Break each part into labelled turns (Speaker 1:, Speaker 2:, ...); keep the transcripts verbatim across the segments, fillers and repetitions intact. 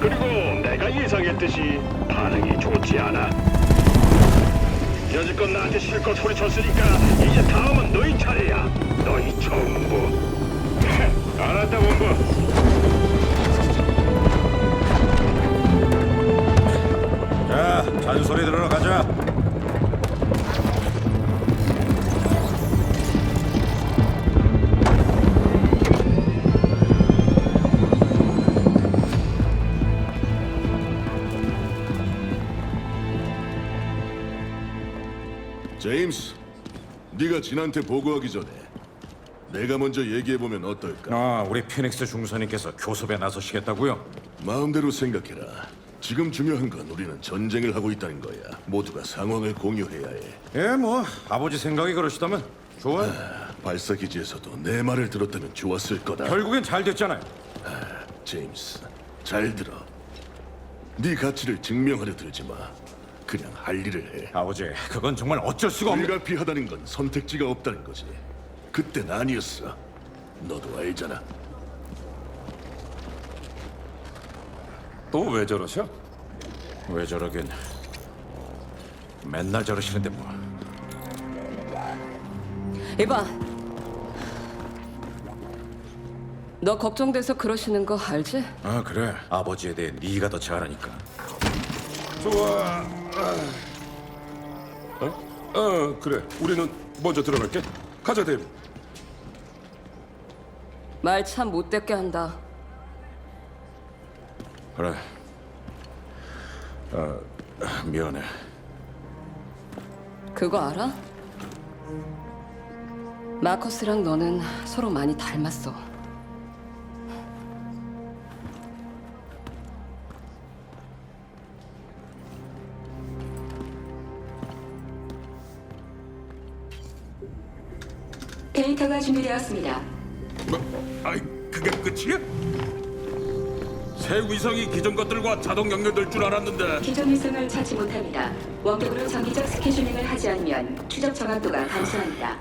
Speaker 1: 그리고 내가 예상했듯이 반응이 좋지 않아. 여지껏 나한테 실컷 소리쳤으니까 이제 다음은 너희 차례야. 너희 전부. 알았다, 본부.
Speaker 2: 자, 잔소리 들으러 가자.
Speaker 3: 제임스, 네가 진한테 보고하기 전에 내가 먼저 얘기해보면 어떨까?
Speaker 2: 아, 우리 피닉스 중사님께서 교섭에 나서시겠다고요?
Speaker 3: 마음대로 생각해라. 지금 중요한 건 우리는 전쟁을 하고 있다는 거야. 모두가 상황을 공유해야 해.
Speaker 2: 예, 뭐 아버지 생각이 그러시다면 좋아요.
Speaker 3: 발사기지에서도 내 말을 들었다면 좋았을 거다.
Speaker 2: 결국엔 잘 됐잖아요.
Speaker 3: 제임스, 잘 들어. 네 가치를 증명하려 들지 마. 그냥 할 일을 해.
Speaker 2: 아버지, 그건 정말 어쩔 수가 없는.
Speaker 3: 불가피하다는 건 선택지가 없다는 거지. 그땐 아니었어. 너도 알잖아.
Speaker 4: 또 왜 저러셔?
Speaker 2: 왜 저러긴? 맨날 저러시는데 뭐.
Speaker 5: 이봐, 너 걱정돼서 그러시는 거 알지?
Speaker 2: 아, 그래. 아버지에 대해 네가 더 잘 아니까.
Speaker 4: 좋아. 어? 어, 그래. 우리는 먼저 들어갈게. 가자, 데이브.
Speaker 5: 말 참 못됐게 한다.
Speaker 2: 그래. 아, 미안해.
Speaker 5: 그거 알아? 마커스랑 너는 서로 많이 닮았어.
Speaker 6: 데이터가 준비되었습니다.
Speaker 4: 뭐? 아이, 그게 끝이야? 새 위성이 기존 것들과 자동 연결될 줄 알았는데.
Speaker 6: 기존 위성을 찾지 못합니다. 원격으로 정기적 스케줄링을 하지 않으면 추적 정확도가 감소합니다.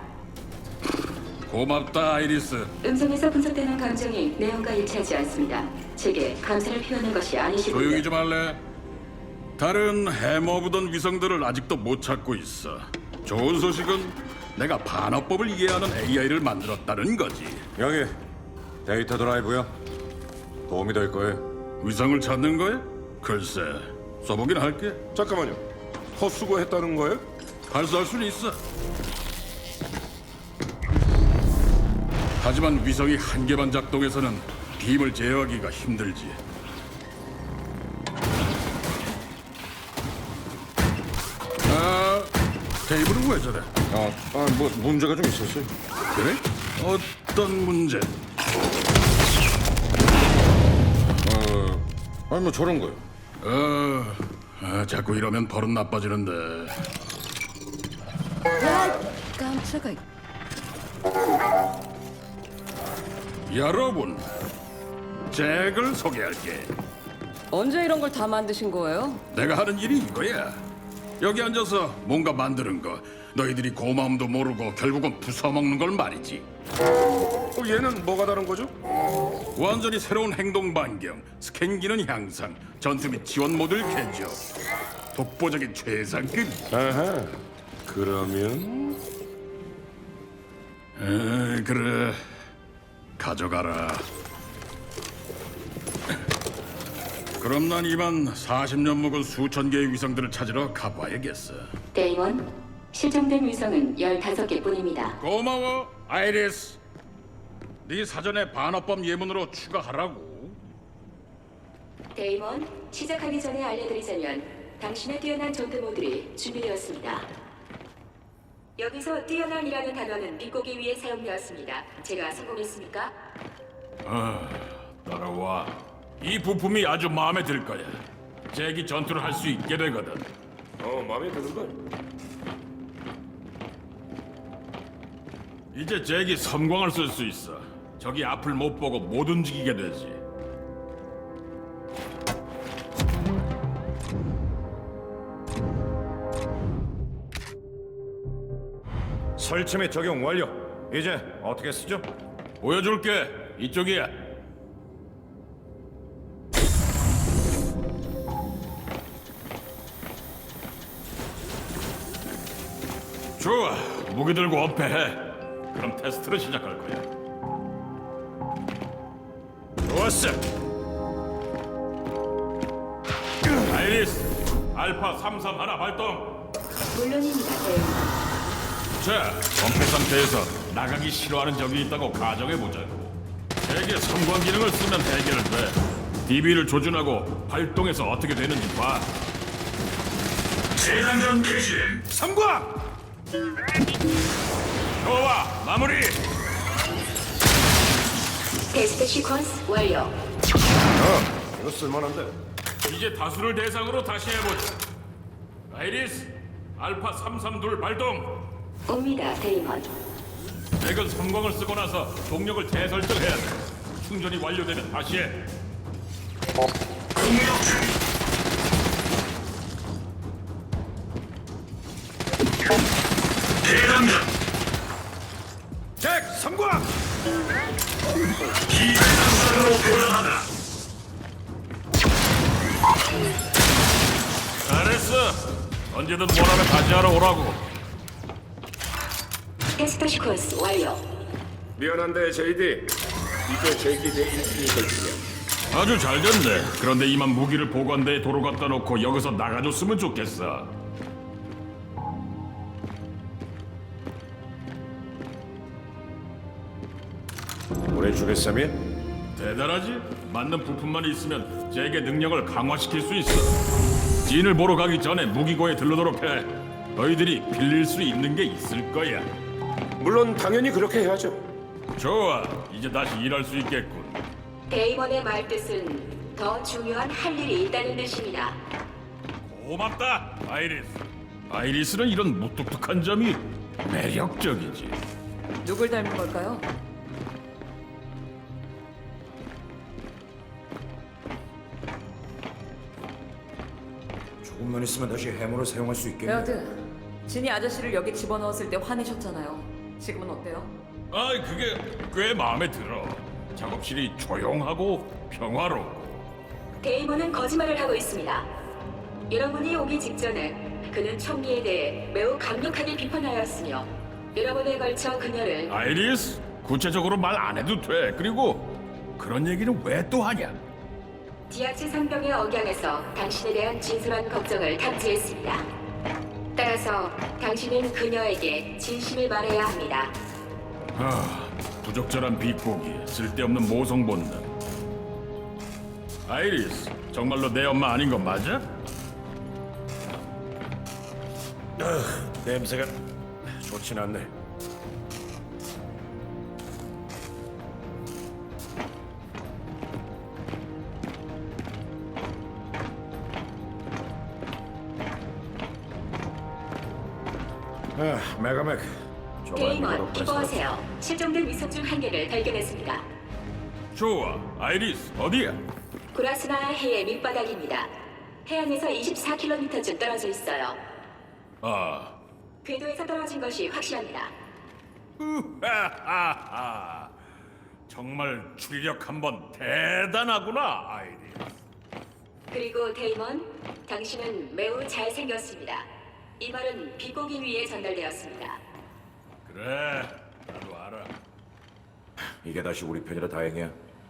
Speaker 4: 고맙다, 아이리스.
Speaker 6: 음성에서 분석되는 감정이 내용과 일치하지 않습니다. 제게 감사를 표하는 것이 아니시군요.
Speaker 4: 조용히 좀 할래? 다른 해머보던 위성들을 아직도 못 찾고 있어. 좋은 소식은 내가 반어법을 이해하는 에이아이를 만들었다는 거지.
Speaker 2: 여기 데이터 드라이브요. 도움이 될 거예요.
Speaker 4: 위성을 찾는 거야? 글쎄, 써보긴 할게.
Speaker 7: 잠깐만요. 헛수고했다는 거예요?
Speaker 4: 발사할 수는 있어. 하지만 위성이 한 개만 작동해서는 빔을 제어하기가 힘들지. 아, 테이블은 왜 저래?
Speaker 2: 아, 아, 뭐 문제가 좀 있었어요.
Speaker 4: 그래? 어떤 문제?
Speaker 2: 아니 뭐 저런 거요.
Speaker 4: 어, 아, 자꾸 이러면 버릇 나빠지는데.
Speaker 5: 야, 깜짝아.
Speaker 4: 여러분, 잭을 소개할게.
Speaker 5: 언제 이런 걸 다 만드신 거예요?
Speaker 4: 내가 하는 일이 이거야. 여기 앉아서 뭔가 만드는 거. 너희들이 고마움도 모르고 결국은 부숴먹는 걸 말이지.
Speaker 7: 어, 얘는 뭐가 다른 거죠?
Speaker 4: 완전히 새로운 행동 반경, 스캔 기능 향상, 전투 및 지원 모듈 개조. 독보적인 최상급.
Speaker 7: 아하. 그러면
Speaker 4: 에, 그래. 가져가라. 그럼 난 이만 사십 년 묵은 수천 개의 위성들을 찾으러 가봐야겠어.
Speaker 6: 데이먼, 실종된 위성은 열다섯 개뿐입니다.
Speaker 4: 고마워, 아이리스. 네 사전에 반어법 예문으로 추가하라고.
Speaker 6: 데이먼, 시작하기 전에 알려드리자면 당신의 뛰어난 전투 모듈이 준비되었습니다. 여기서 뛰어난이라는 단어는 비꼬기 위해 사용되었습니다. 제가 성공했습니까?
Speaker 4: 아, 따라와. 이 부품이 아주 마음에 들 거야. 잭이 전투를 할 수 있게 되거든.
Speaker 7: 어 마음에 드는 걸.
Speaker 4: 이제 잭이 섬광을 쓸 수 있어. 적이 앞을 못 보고 못 움직이게 되지.
Speaker 2: 설치 및 적용 완료. 이제 어떻게 쓰죠?
Speaker 4: 보여줄게. 이쪽이야. 좋아, 무기 들고 엄폐해. 그럼 테스트를 시작할 거야.
Speaker 2: 좋았어.
Speaker 4: 아이리스, 알파 삼삼 하나 발동.
Speaker 6: 물론입니다, 대원.
Speaker 4: 자, 엄폐 상태에서 나가기 싫어하는 적이 있다고 가정해보자고. 세계 삼관 기능을 쓰면 해결돼. 디비를 조준하고 발동해서 어떻게 되는지 봐. 재장전 개시. 삼관! 좋아, 마무리!
Speaker 6: 테스트 시퀀스 완료.
Speaker 2: 이거 쓸만한데.
Speaker 4: 이제 다수를 대상으로 다시 해보자. 아이리스, 알파 삼삼이 발동.
Speaker 6: 옵니다, 데이먼.
Speaker 4: 맥은 삼광을 쓰고 나서 동력을 재설정해야 돼. 충전이 완료되면 다시 해. 대장전.
Speaker 2: 잭 삼광.
Speaker 4: 기회전선으로 변환하다. 잘했어. 언제든 원하면 다시 하러 오라고.
Speaker 6: 테스트 시퀀스 완료.
Speaker 7: 미안한데 제이디, 이제 제이디 내 인fin이 걸치냐?
Speaker 4: 아주 잘 됐네. 그런데 이만 무기를 보관대에 도로 갖다 놓고 여기서 나가줬으면 좋겠어.
Speaker 2: 보내주겠사며?
Speaker 4: 대단하지? 맞는 부품만 있으면 제게 능력을 강화시킬 수 있어. 진을 보러 가기 전에 무기고에 들르도록 해. 너희들이 빌릴 수 있는 게 있을 거야.
Speaker 7: 물론 당연히 그렇게 해야죠.
Speaker 4: 좋아, 이제 다시 일할 수 있겠군.
Speaker 6: 데이먼의 말뜻은 더 중요한 할 일이 있다는 뜻입니다.
Speaker 4: 고맙다, 아이리스. 아이리스는 이런 무뚝뚝한 점이 매력적이지.
Speaker 5: 누굴 닮은 걸까요?
Speaker 2: 조금만 있으면 다시 해머를 사용할 수 있겠네.
Speaker 5: 베어드, 진이 아저씨를 여기 집어넣었을 때 화내셨잖아요. 지금은 어때요?
Speaker 4: 아이, 그게 꽤 마음에 들어. 작업실이 조용하고 평화롭고.
Speaker 6: 데이먼은 거짓말을 하고 있습니다. 여러분이 오기 직전에 그는 총리에 대해 매우 강력하게 비판하였으며 여러분에 걸쳐 그녀를
Speaker 4: 아이리스, 구체적으로 말 안 해도 돼. 그리고 그런 얘기는 왜 또 하냐?
Speaker 6: 디아치 상병의 억양에서 당신에 대한 진솔한 걱정을 탐지했습니다. 따라서 당신은 그녀에게 진심을 말해야 합니다.
Speaker 4: 아, 부적절한 비꼬기, 쓸데없는 모성 본능. 아이리스, 정말로 내 엄마 아닌 건 맞아?
Speaker 2: 냄새가 좋진 않네. 아, 메가맥. 정말
Speaker 6: 데이먼,
Speaker 2: 미끄럽다.
Speaker 6: 기뻐하세요. 실종된 위성 중 한 개를 발견했습니다.
Speaker 4: 좋아, 아이리스, 어디야?
Speaker 6: 구라스나 해의 밑바닥입니다. 해안에서 이십사 킬로미터쯤 떨어져 있어요.
Speaker 4: 아,
Speaker 6: 궤도에서 떨어진 것이 확실합니다.
Speaker 4: 우하하하. 정말 추리력 한번 대단하구나, 아이리스.
Speaker 6: 그리고 데이먼, 당신은 매우 잘생겼습니다. 이 말은 비공기 위에 전달되었습니다.
Speaker 4: 그래, 나도 알아.
Speaker 2: 이게 다시 우리 편이라 다행이야.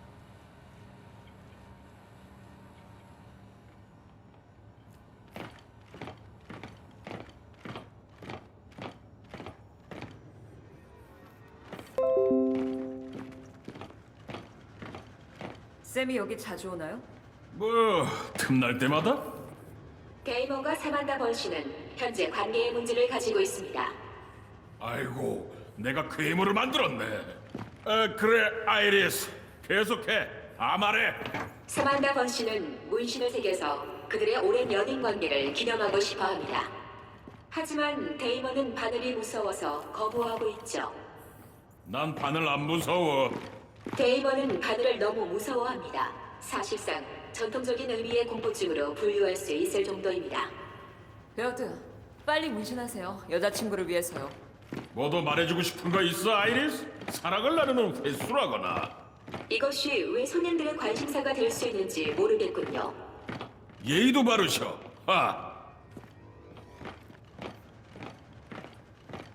Speaker 5: 쌤이 여기 자주 오나요?
Speaker 4: 뭐, 틈날 때마다?
Speaker 6: 데이먼과 사만다 번씨는 현재 관계의 문제를 가지고 있습니다.
Speaker 4: 아이고, 내가 괴물을 만들었네. 아, 그래, 아이리스. 계속해. 다 말해.
Speaker 6: 사만다 번씨는 문신을 새겨서 그들의 오랜 연인 관계를 기념하고 싶어 합니다. 하지만 데이먼은 바늘이 무서워서 거부하고 있죠.
Speaker 4: 난 바늘 안 무서워.
Speaker 6: 데이먼은 바늘을 너무 무서워합니다. 사실상 전통적인 의미의 공포증으로 분류할 수 있을 정도입니다.
Speaker 5: 베어드, 빨리 문신하세요. 여자친구를 위해서요.
Speaker 4: 뭐도 말해주고 싶은 거 있어, 아이리스? 사랑을 나누는 횟수라거나.
Speaker 6: 이것이 왜 손님들의 관심사가 될 수 있는지 모르겠군요.
Speaker 4: 예의도 바르셔. 하.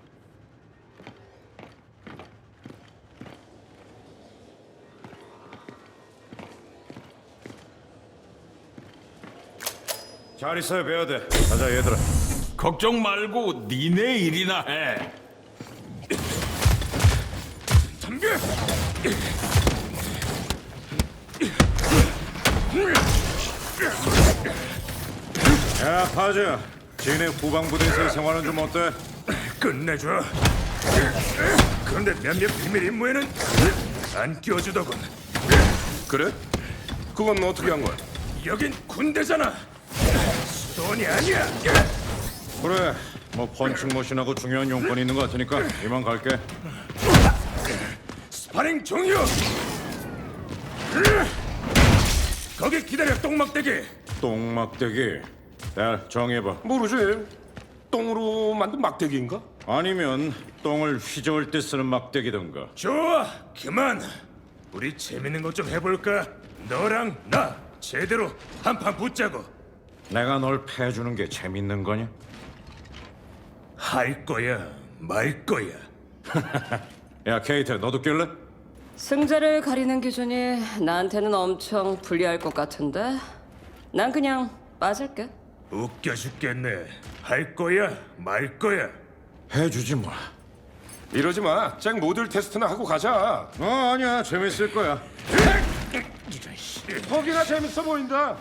Speaker 2: 잘 있어요, 베어드. 가자, 얘들아.
Speaker 4: 걱정 말고 니네 일이나 해.
Speaker 2: 덤벼! 야, 파즈. 진해 후방부대에서의 생활은 좀 어때?
Speaker 1: 끝내줘. 그런데 몇몇 비밀 임무에는 안 끼워주더군.
Speaker 7: 그래? 그건 어떻게 한 거야?
Speaker 1: 여긴 군대잖아. 수도원이 아니야.
Speaker 2: 그래, 뭐 펀칭머신하고 중요한 용건이 있는 것 같으니까 이만 갈게.
Speaker 1: 스파링 종료. 거기 기다려, 똥막대기.
Speaker 2: 똥막대기. 야, 정해봐.
Speaker 7: 모르지. 똥으로 만든 막대기인가?
Speaker 2: 아니면 똥을 휘저을 때 쓰는 막대기던가.
Speaker 1: 좋아, 그만. 우리 재밌는 것 좀 해볼까? 너랑 나 제대로 한판 붙자고.
Speaker 2: 내가 널 패주는 게 재밌는 거냐?
Speaker 1: 할 거야, 말 거야.
Speaker 2: 야, 케이트, 너도 낄래?
Speaker 5: 승자를 가리는 기준이 나한테는 엄청 불리할 것 같은데 난 그냥 빠질게.
Speaker 1: 웃겨 죽겠네. 할 거야, 말 거야.
Speaker 2: 해주지 뭐.
Speaker 7: 이러지 마. 잭 모듈 테스트나 하고 가자.
Speaker 2: 어, 아니야, 재밌을 거야.
Speaker 7: 거기가 재밌어 보인다.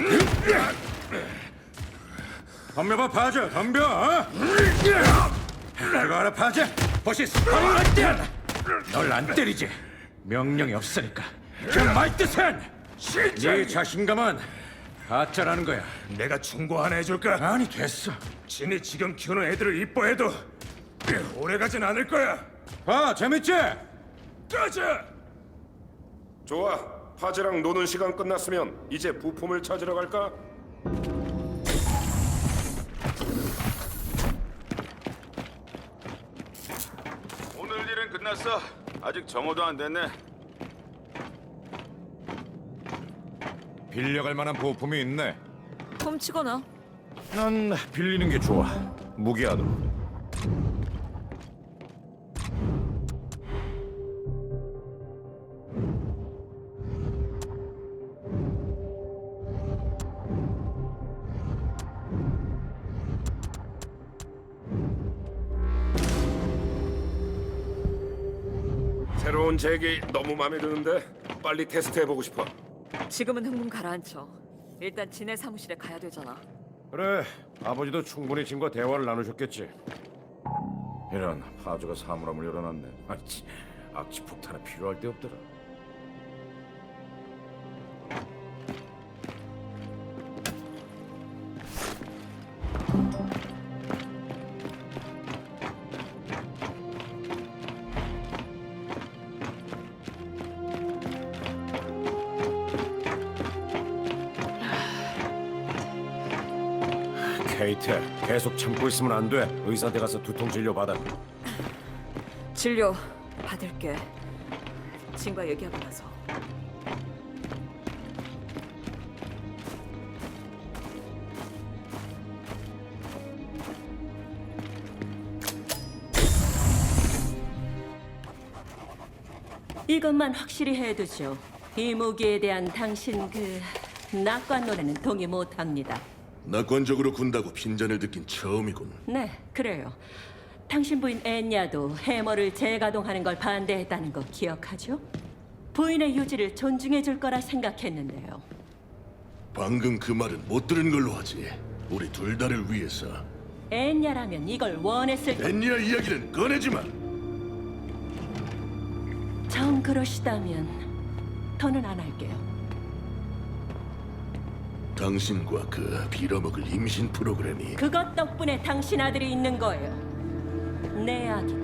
Speaker 2: 덤벼봐, 파즈, 덤벼. 어? 그거 알아, 파즈? 혹시 스파링 할 때 널 안 때리지. 명령이 없으니까. 그 말 뜻은 네 자신감은 가짜라는 거야.
Speaker 1: 내가 충고 하나 해줄까?
Speaker 2: 아니, 됐어.
Speaker 1: 진이 지금 키우는 애들을 이뻐해도 오래 가진 않을 거야.
Speaker 2: 봐, 재밌지?
Speaker 1: 가자.
Speaker 7: 좋아. 파즈랑 노는 시간 끝났으면 이제 부품을 찾으러 갈까?
Speaker 8: 오늘 일은 끝났어. 아직 정오도 안 됐네.
Speaker 2: 빌려갈 만한 부품이 있네.
Speaker 5: 훔치거나.
Speaker 2: 난 빌리는 게 좋아. 무기하도.
Speaker 7: 새로운 잭이 너무 마음에 드는데 빨리 테스트 해보고 싶어.
Speaker 5: 지금은 흥분 가라앉혀. 일단 진해 사무실에 가야 되잖아.
Speaker 2: 그래, 아버지도 충분히 짐과 대화를 나누셨겠지. 이런, 파주가 사물함을 열어놨네. 아치, 악취 폭탄은 필요할 데 없더라. 케이트, 계속 참고 있으면 안 돼. 의사한테 가서 두통 진료 받아.
Speaker 5: 진료 받을게. 진과 얘기하고 나서.
Speaker 9: 이것만 확실히 해두죠. 이 무기에 대한 당신 그 낙관론에는 동의 못합니다.
Speaker 3: 낙관적으로 군다고 핀잔을 듣긴 처음이군.
Speaker 9: 네, 그래요. 당신 부인 앤야도 해머를 재가동하는 걸 반대했다는 거 기억하죠? 부인의 유지를 존중해 줄 거라 생각했는데요.
Speaker 3: 방금 그 말은 못 들은 걸로 하지. 우리 둘 다를 위해서.
Speaker 9: 앤야라면 이걸 원했을 거.
Speaker 3: 앤니아 이야기는 꺼내지 마.
Speaker 9: 정 그러시다면 더는 안 할게요.
Speaker 3: 당신과 그 빌어먹을 임신 프로그램이
Speaker 9: 그것 덕분에 당신 아들이 있는 거예요. 내 아기도.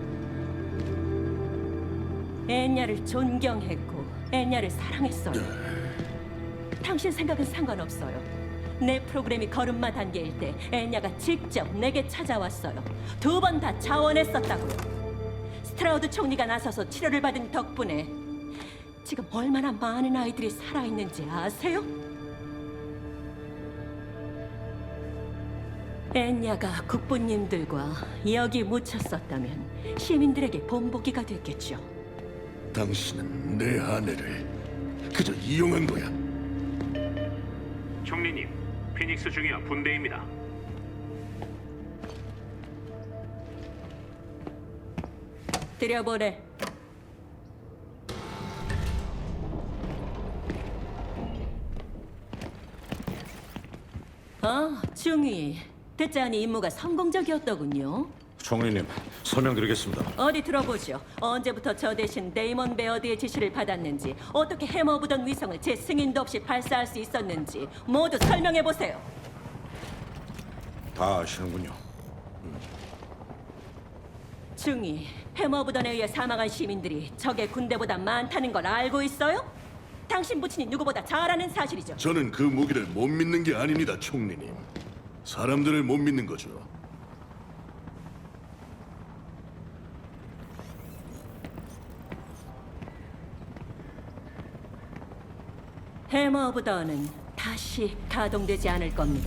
Speaker 9: 앤야를 존경했고 앤야를 사랑했어요. 당신 생각은 상관없어요. 내 프로그램이 걸음마 단계일 때 앤야가 직접 내게 찾아왔어요. 두 번 다 자원했었다고요. 스트라우드 총리가 나서서 치료를 받은 덕분에 지금 얼마나 많은 아이들이 살아있는지 아세요? 앤야가 국부님들과 여기 묻혔었다면 시민들에게 본보기가 됐겠죠.
Speaker 3: 당신은 내 아내를 그저 이용한 거야.
Speaker 1: 총리님, 피닉스 중이야 분대입니다.
Speaker 9: 들여보내. 아, 중위. 듣자니 임무가 성공적이었더군요.
Speaker 2: 총리님, 설명드리겠습니다.
Speaker 9: 어디 들어보죠. 언제부터 저 대신 데이먼 베어드의 지시를 받았는지, 어떻게 해머보던 위성을 제 승인도 없이 발사할 수 있었는지 모두 설명해 보세요.
Speaker 2: 다 아시는군요.
Speaker 9: 중위, 해머보던에 의해 사망한 시민들이 적의 군대보다 많다는 걸 알고 있어요? 당신 부친이 누구보다 잘 아는 사실이죠.
Speaker 3: 저는 그 무기를 못 믿는 게 아닙니다, 총리님. 사람들을 못 믿는 거죠.
Speaker 9: 해머보던은 다시 가동되지 않을 겁니다.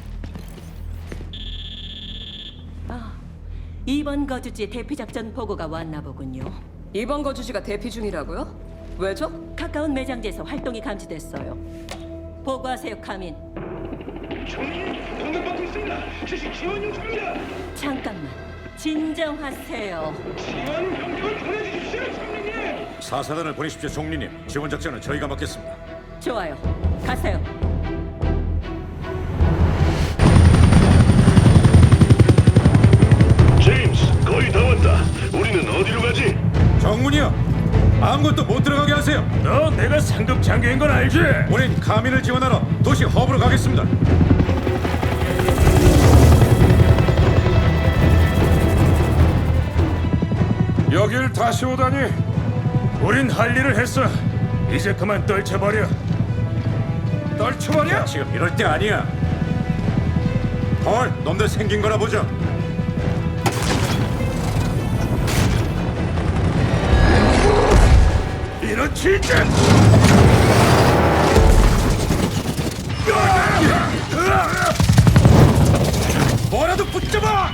Speaker 9: 아, 이번 거주지 대피 작전 보고가 왔나 보군요.
Speaker 5: 이번 거주지가 대피 중이라고요? 왜죠?
Speaker 9: 가까운 매장지에서 활동이 감지됐어요. 보고하세요, 카민.
Speaker 1: 총리 공격받고 있습니다. 지시 지원 요청입니다.
Speaker 9: 잠깐만, 진정하세요.
Speaker 1: 지원 명령을 보내주십시오, 총리님.
Speaker 2: 사사단을 보내십시오, 총리님. 지원 작전은 저희가 맡겠습니다.
Speaker 9: 좋아요, 가세요.
Speaker 1: 제임스, 거의 다 왔다. 우리는 어디로 가지?
Speaker 2: 정문이요. 아무것도 못 들어가게 하세요.
Speaker 1: 너 내가 상급 장교인 건 알지?
Speaker 2: 우린 카민을 지원하러 도시 허브로 가겠습니다.
Speaker 1: 여길 다시 오다니. 우린 할 일을 했어. 이제 그만 떨쳐버려. 떨쳐버려?
Speaker 2: 지금 이럴 때 아니야. 헐, 놈들 생긴 거나 보자.
Speaker 1: 이런 진짜.
Speaker 2: 뭐라도 붙잡아!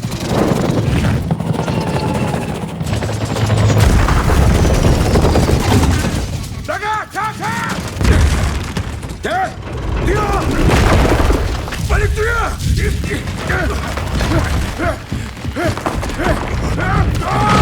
Speaker 1: 나가! 가! 가!
Speaker 2: 대!
Speaker 1: 뛰어! 빨리 뛰어!